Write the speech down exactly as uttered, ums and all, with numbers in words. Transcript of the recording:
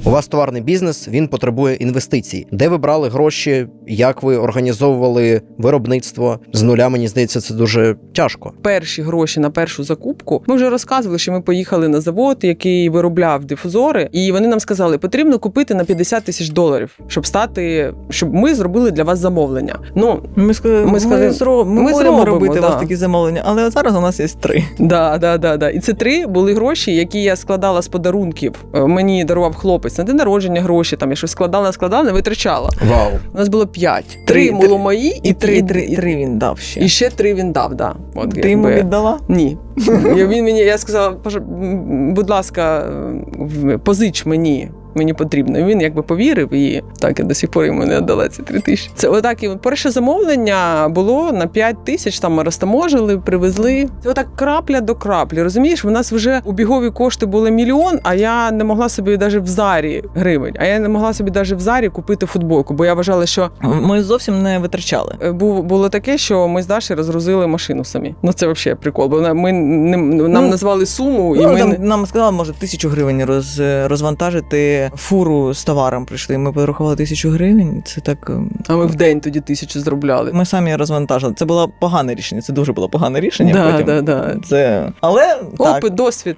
У вас товарний бізнес, він потребує інвестицій. Де ви брали гроші, як ви організовували виробництво? З нуля, мені здається, це дуже тяжко. Перші гроші на першу закупку, ми вже розказували, що ми поїхали на завод, який виробляв дифузори, і вони нам сказали, потрібно купити на п'ятдесят тисяч доларів, щоб стати, щоб ми зробили для вас замовлення. Ну, Ми сказали, Ми ми, сказали, зро... ми, ми будемо зробимо, робити у да. вас такі замовлення, але от зараз у нас є три. да, да, да, да. І це три були гроші, які я складала з подарунків. Е, Мені дарував хлопець на день народження гроші, там я щось складала, складала, не витрачала. Вау. У нас було п'ять. Три, Три було мої, І три, і, три, і, три він дав ще. і ще три він дав, да. От, Ти йому якби- віддала? Ні. Я, він мені, я сказала, «Пож- м, будь ласка, в- позич мені. Мені потрібно. Він якби повірив, і так я до сих пор йому не віддала ці три тисячі. Це отак і перше замовлення було на п'ять тисяч, там ми розтаможили, привезли. Це отак крапля до краплі. Розумієш, в нас вже убігові кошти були мільйон, а я не могла собі навіть в Зарі гривень, а я не могла собі навіть в Зарі купити футболку, бо я вважала, що Ми зовсім не витрачали. е, був, було таке, що ми з Дашею розгрузили машину самі. Ну це взагалі прикол, бо ми не, нам Ну, назвали суму, і Ну, ми там, не- нам сказали, може, тисячу гривень роз, розвантажити фуру з товаром прийшли. Ми порахували тисячу гривень. Це так. ем, а ми в день тоді тисячу зробляли. Ми самі розвантажили. Це було погане рішення. Це дуже було погане рішення. Да, потім. да, да. Це... Але так. Опит, досвід.